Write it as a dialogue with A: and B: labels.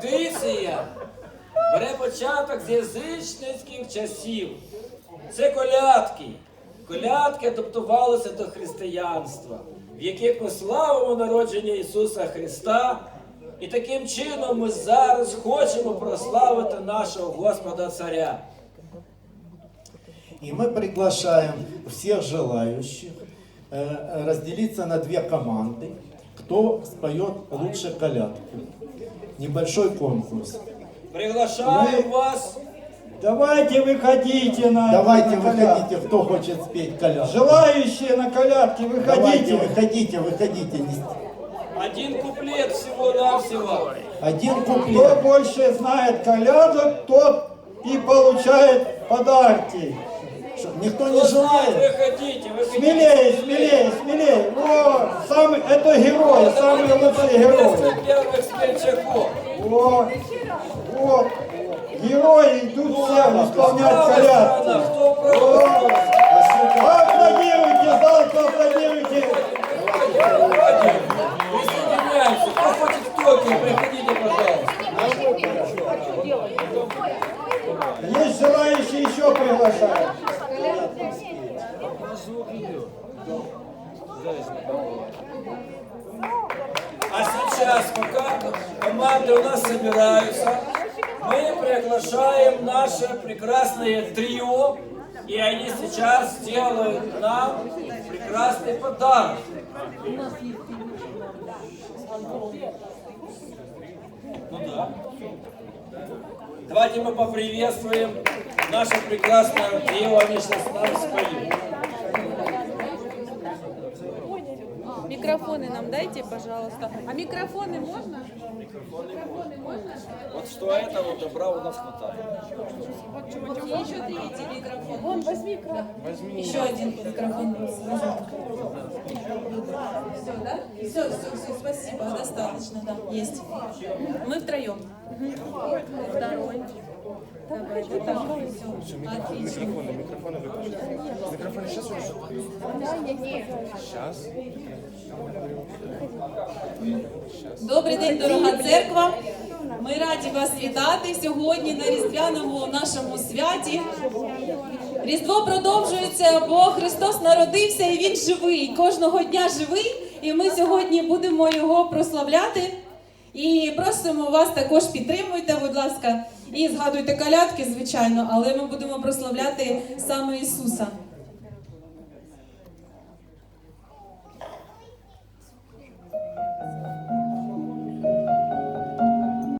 A: традиція бере початок з язичницьких часів. Це колядки. Колядки адаптувалися до християнства, в яких ми славимо народження Ісуса Христа. І таким чином ми зараз хочемо прославити нашого Господа Царя.
B: И мы приглашаем всех желающих разделиться на две команды, кто споет лучше колядку. Небольшой конкурс.
A: Приглашаем вас.
C: Давайте выходите на
B: Давайте
C: на колядки.
B: выходите, кто хочет спеть колядку.
C: Желающие на колядки,
B: Давайте,
C: выходите.
B: выходите.
A: Один куплет всего-навсего.
B: Один
C: Кто
B: куплет.
C: больше знает колядок, тот и получает подарки.
B: Никто не желает.
A: Выходите, выходите.
C: Смелее. Это герои, самые лучшие герои.
A: Первых смельчаков.
C: Вот. Герои идут все исполнять колядки.
A: Кто правый?
C: Аплодируйте, зал, аплодируйте.
A: Присоединяемся. Кто хочет в Токио, приходите, пожалуйста.
C: Есть желающие еще приглашают.
A: А сейчас, пока команды у нас собираются, мы приглашаем наше прекрасное трио, и они сейчас сделают нам прекрасный подарок. Ну да. Давайте мы поприветствуем наше прекрасное трио, они сейчас нам споют.
D: Микрофоны нам дайте, пожалуйста. А микрофоны можно? Микрофоны можно?
A: Вот что этого добра у нас хватает.
D: И еще третий микрофон. Вон, возьми микрофон. Еще один микрофон. Все, да? Все, спасибо, достаточно, да, есть. Мы втроем. Второй. Давай, вот так. Все, отлично.
E: Микрофоны выключи. Микрофоны сейчас уже? Сейчас.
D: Добрий день, дорога церква. Ми раді вас вітати сьогодні на різдвяному нашому святі. Різдво продовжується, бо Христос народився і Він живий. Кожного дня живий. І ми сьогодні будемо Його прославляти. І просимо вас також підтримуйте, будь ласка, і згадуйте колядки, звичайно, але ми будемо прославляти саме Ісуса.